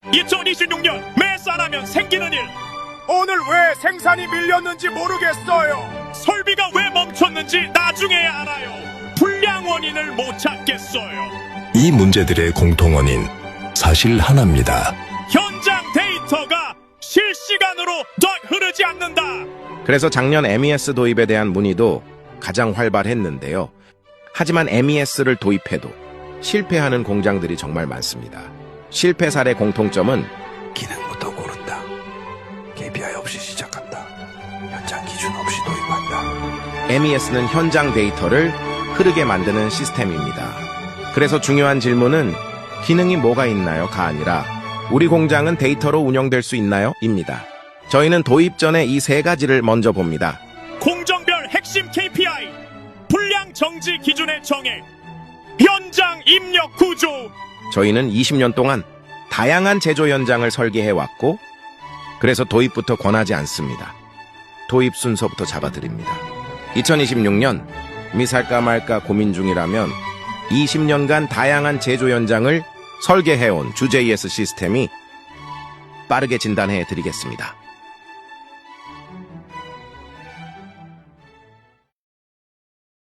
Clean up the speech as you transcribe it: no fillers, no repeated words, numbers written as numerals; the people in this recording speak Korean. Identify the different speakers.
Speaker 1: 2026년 매산하면 생기는 일.
Speaker 2: 오늘 왜 생산이 밀렸는지 모르겠어요.
Speaker 1: 설비가 왜 멈췄는지 나중에야 알아요. 불량 원인을 못 찾겠어요.
Speaker 3: 이 문제들의 공통원인 사실 하나입니다.
Speaker 1: 현장 데이터가 실시간으로 더 흐르지 않는다.
Speaker 4: 그래서 작년 MES 도입에 대한 문의도 가장 활발했는데요. 하지만 MES를 도입해도 실패하는 공장들이 정말 많습니다. 실패 사례 공통점은
Speaker 3: 기능부터 고른다. KPI 없이 시작한다. 현장 기준 없이 도입한다.
Speaker 4: MES는 현장 데이터를 흐르게 만드는 시스템입니다. 그래서 중요한 질문은 기능이 뭐가 있나요?가 아니라 우리 공장은 데이터로 운영될 수 있나요? 입니다. 저희는 도입 전에 이 세 가지를 먼저 봅니다.
Speaker 1: 공정별 핵심 KPI, 불량 정지 기준의 정해, 현장 입력 구조.
Speaker 4: 저희는 20년 동안 다양한 제조 현장을 설계해왔고 그래서 도입부터 권하지 않습니다. 도입 순서부터 잡아드립니다. 2026년 이미 살까 말까 고민 중이라면 20년간 다양한 제조 현장을 설계해온 주JS 시스템이 빠르게 진단해 드리겠습니다.